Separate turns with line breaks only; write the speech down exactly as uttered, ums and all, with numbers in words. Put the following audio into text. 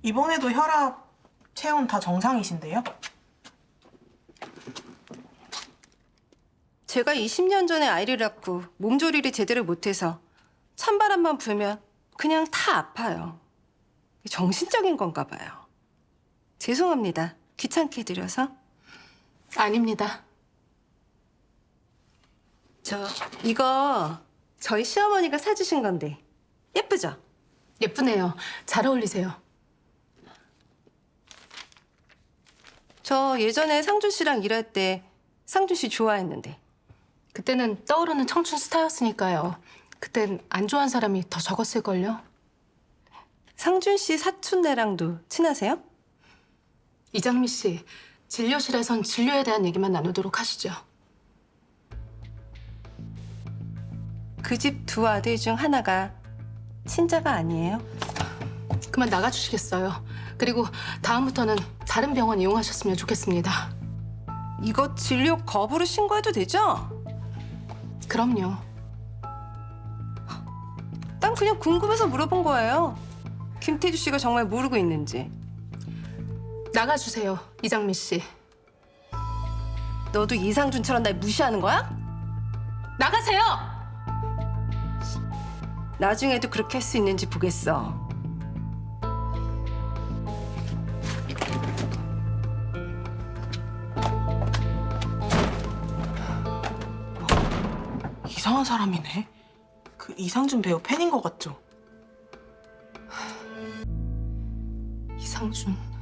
이번에도 혈압, 체온 다 정상이신데요?
제가 이십 년 전에 아이를 낳고 몸조리를 제대로 못해서 찬바람만 불면 그냥 다 아파요. 정신적인 건가 봐요. 죄송합니다. 귀찮게 해드려서.
아닙니다.
저 이거 저희 시어머니가 사주신 건데 예쁘죠?
예쁘네요. 잘 어울리세요.
저 예전에 상준 씨랑 일할 때 상준 씨 좋아했는데.
그때는 떠오르는 청춘 스타였으니까요. 그땐 안 좋아한 사람이 더 적었을걸요.
상준 씨 사촌네랑도 친하세요?
이장미 씨, 진료실에선 진료에 대한 얘기만 나누도록 하시죠.
그 집 두 아들 중 하나가 친자가 아니에요?
그만 나가주시겠어요. 그리고 다음부터는 다른 병원 이용하셨으면 좋겠습니다.
이거 진료 거부로 신고해도 되죠?
그럼요.
난 그냥 궁금해서 물어본 거예요. 김태주 씨가 정말 모르고 있는지.
나가주세요, 이장미 씨.
너도 이상준처럼 날 무시하는 거야?
나가세요!
나중에도 그렇게 할 수 있는지 보겠어.
이상한 사람이네. 그 이상준 배우 팬인 것 같죠?
이상준.